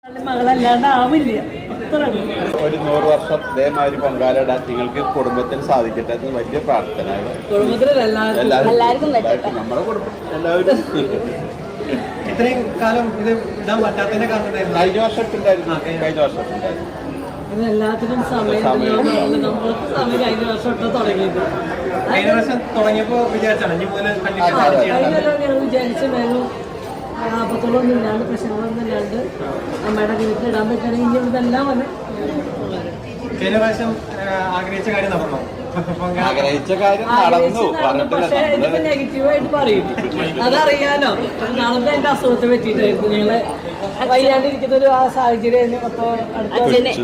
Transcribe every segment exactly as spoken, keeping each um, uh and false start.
ഒരു നൂറ് വർഷം ഇതേമാതിരി പൊങ്കാലിടാൻ നിങ്ങൾക്ക് കുടുംബത്തിൽ സാധിക്കട്ടെ എന്ന് വലിയ പ്രാർത്ഥന. നമ്മുടെ കുടുംബം എല്ലാവരും ഇത്രയും കാലം ഇത് ഇടാൻ പറ്റാത്തതിന്റെ കാരണം കഴിഞ്ഞ വർഷത്തുണ്ടായിരുന്നു കഴിഞ്ഞ വർഷത്തുണ്ടായിരുന്നു എല്ലാത്തിനും സമയം നമ്മൾക്ക് സമയം കഴിഞ്ഞ വർഷം തൊട്ട് തുടങ്ങിയത്. കഴിഞ്ഞ വർഷം തുടങ്ങിയപ്പോ വിചാരിച്ചാണ് ഞങ്ങൾ വിചാരിച്ച മേലും ആപത്തുകളൊന്നും ഇല്ലാണ്ട് പ്രശ്നങ്ങളൊന്നും ഇല്ലാണ്ട് അമ്മയുടെ വീട്ടിൽ ഇടാൻ പറ്റുകയാണെങ്കിൽ ഇനി ഇതെല്ലാം വന്ന് കഴിഞ്ഞ പ്രാവശ്യം ആഗ്രഹിച്ച കാര്യം നടന്നോ? ആഗ്രഹിച്ച കാര്യം നടന്നു. പക്ഷേ ഇതിപ്പോ നെഗറ്റീവായിട്ട് പറയും. അതറിയാലോ, നാളത്തെ എന്റെ അസുഖത്തെ പറ്റിയിട്ടായിരുന്നു. ഞങ്ങള് വയ്യാണ്ടിരിക്കുന്ന ഒരു ആ സാഹചര്യം അപ്പൊ അടുത്ത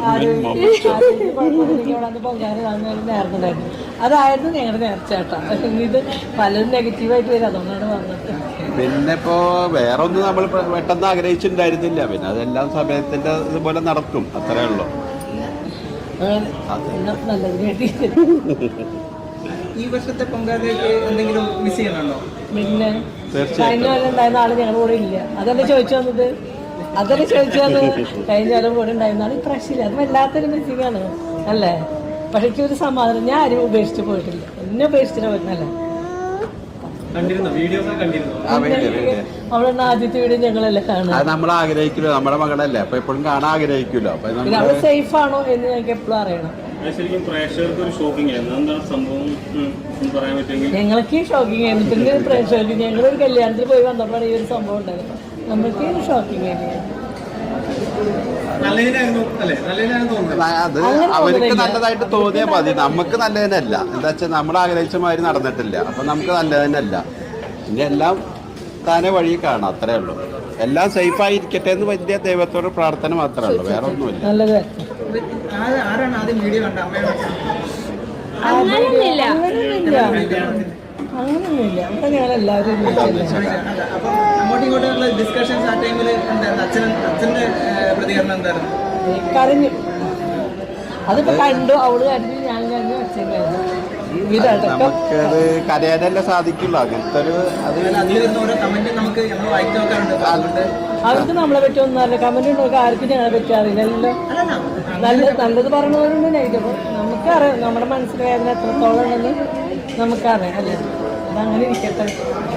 പൊങ്കാലാണ് നേർന്നുണ്ടായിരുന്നു. അതായിരുന്നു ഞങ്ങളുടെ നേർച്ചേട്ടാ. ഇത് പലരും നെഗറ്റീവായിട്ട് വരും, അതുകൊണ്ടാണ് വന്നിട്ട്. പിന്നെ ഇപ്പോ വേറെ ഒന്നും നമ്മൾ പെട്ടെന്ന് ആഗ്രഹിച്ചിട്ടുണ്ടായിരുന്നില്ല. പിന്നെ അതെല്ലാം സമയത്തിന്റെ ഇതുപോലെ നടക്കും, അത്രേ ഉള്ളൂ. ഈ വർഷത്തെ പൊങ്കാലയ്ക്ക് എന്തെങ്കിലും മിസ് ചെയ്യണുണ്ടോ? പിന്നെ കഴിഞ്ഞ കൊല്ലം ഉണ്ടായിരുന്ന ആള് ഞങ്ങളുടെ കൂടെ ഇല്ല. അതല്ലേ ചോദിച്ചു വന്നത്, അതല്ലേ ചോദിച്ചു വന്നത്. കഴിഞ്ഞ കൊല്ലം കൂടെ ഉണ്ടായിരുന്ന ആള് ഇപ്രാവശ്യം അത് വല്ലാത്തൊരു മിസ്സിംഗ് ആണ് അല്ലേ? പക്ഷെ എനിക്ക് ഒരു സമാധാനം, ഞാൻ ആരും ഉപേക്ഷിച്ച് പോയിട്ടില്ല. എന്നെ ഉപേക്ഷിച്ചിട്ട് പോയിരുന്നല്ലേ. അവളെ ആദ്യത്തെ വീഡിയോ ഞങ്ങളല്ലേ കാണുക. അത് നമ്മൾ ആഗ്രഹിക്കുമല്ലോ, നമ്മുടെ മകളല്ലേ, അപ്പൊ എപ്പോഴും കാണാൻ ആഗ്രഹിക്കുമല്ലോ. അപ്പൊ അവള് സേഫ് ആണോ എന്ന് ഞങ്ങൾക്ക് എപ്പോഴും അറിയണം. ഞങ്ങൾക്ക് ഷോക്കിംഗ് ആയിരുന്നു. പിന്നെ പ്രേക്ഷകർക്ക് ഞങ്ങളൊരു കല്യാണത്തിൽ പോയി വന്നപ്പോഴാണ് ഈ ഒരു സംഭവം ഉണ്ടായത്. നമ്മൾക്ക് ഷോക്കിംഗ് ആയിരുന്നു. അത് അവർക്ക് നല്ലതായിട്ട് തോന്നിയാൽ മതി, നമുക്ക് നല്ലതിനല്ല. എന്താ വെച്ചാൽ നമ്മൾ ആഗ്രഹിച്ച മാതിരി നടന്നിട്ടില്ല, അപ്പൊ നമുക്ക് നല്ലതിനല്ല. ഇനി എല്ലാം താനെ വഴി കാണാം, അത്രേ ഉള്ളൂ. എല്ലാം സേഫ് ആയിരിക്കട്ടെ എന്ന് വലിയ ദൈവത്തോട് പ്രാർത്ഥന മാത്രമേ ഉള്ളൂ, വേറെ ഒന്നുമില്ല. അങ്ങനൊന്നുമില്ല. അപ്പൊ ഞങ്ങൾ എല്ലാവരും കരഞ്ഞു. അതിപ്പോ കണ്ടു, അവള് കരഞ്ഞു, ഞാൻ കരഞ്ഞു, അച്ഛൻ കരഞ്ഞു. നമുക്കത് കരയാനല്ലേ സാധിക്കുള്ളൂ. അങ്ങനത്തെ ഒരു അവർക്ക് നമ്മളെ പറ്റി ഒന്നും അറിയില്ല. കമന്റ് ഉണ്ടോ ആർക്കും ഞങ്ങളെ പറ്റി അറിയില്ലല്ലോ. നല്ല നല്ലത് പറഞ്ഞവരുണ്ട്, നെഗറ്റീവ് നമുക്കറിയാം. നമ്മുടെ മനസ്സിൽ വേദന എത്രത്തോളം ഉണ്ടെന്ന് നമുക്കറിയാം അല്ലേ. അതങ്ങനെ ഇരിക്കട്ടെ.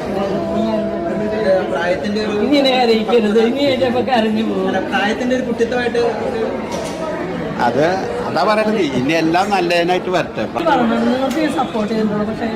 ഇങ്ങനെ അറിയിക്കരുത്, ഇനി കഴിഞ്ഞപ്പോ കരഞ്ഞു പോകും. പ്രായത്തിന്റെ ഒരു കുട്ടിത്തമായിട്ട് അത് അതാ പറയുന്നത്. ഇനി എല്ലാം നല്ലതിനായിട്ട് വരട്ടെ. നിങ്ങൾക്ക് സപ്പോർട്ട് ചെയ്യുന്നുള്ളൂ. പക്ഷേ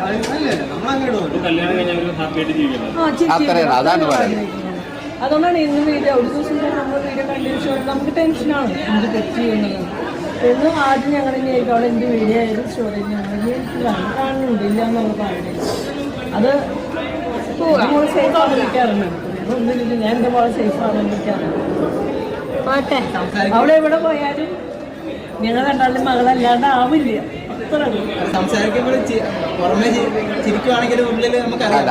അത്രയാണ്, അതാണ് പറയുന്നത്. അതുകൊണ്ടാണ് ഇന്ന് വീഡിയോ ഒരു ദിവസം നമ്മൾ വീഡിയോ കണ്ടിന്യൂസ് നമുക്ക് ടെൻഷനാണ് എന്ത് തെറ്റ് ചെയ്യുന്നത്. എന്നും ആദ്യം ഞങ്ങൾ ഇനി ആയിരിക്കും അവിടെ എന്ത് വീഡിയോ ആയാലും സ്റ്റോറേജ് ഞങ്ങൾ കാണുന്നുണ്ട് ഇല്ല എന്നുള്ള പറയുന്നത്. അത് നമ്മൾ സേഫ് ആണെന്നിരിക്കാറുണ്ട്. ഒന്നുമില്ല, ഞാൻ എൻ്റെ പോലെ സേഫ് ആണെന്നിരിക്കാറുണ്ട്. പോട്ടെ, അവിടെ എവിടെ പോയാലും ഞങ്ങൾ രണ്ടാളുടെ മകളല്ലാണ്ട് ആവില്ല. അത്ര സംസാരിക്കുമ്പോൾ പുറമെ ചിരിക്കുവാണെങ്കിലും ഉള്ളിൽ നമുക്കറിയാം.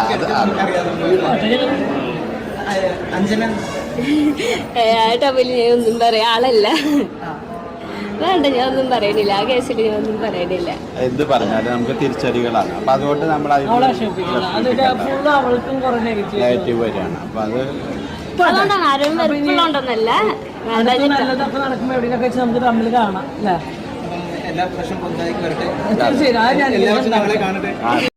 അഞ്ജന ടബിൽ ഞാൻ ഒന്നും പറയാ ആളല്ല. വേണ്ട, ഞാൻ ഒന്നും പറയണില്ല. ആ കേസിൽ ഞാൻ ഒന്നും പറയണില്ല. എന്ത് പറഞ്ഞാലും നമുക്ക് തിരിച്ചടികളാണ്. അപ്പൊ അതുകൊണ്ട് നമ്മൾ നെഗറ്റീവ് വരികയാണ്. അപ്പൊ അത് അതുകൊണ്ടാണ് ആരും വെറുപ്പുള്ളതുകൊണ്ടൊന്നല്ല. നല്ലതൊക്കെ നടക്കുമ്പോ എവിടെയൊക്കെ വെച്ച് നമുക്ക് തമ്മിൽ കാണാം അല്ലേ. എല്ലാ പ്രശ്നം തീർച്ചയായും കാണട്ടെ.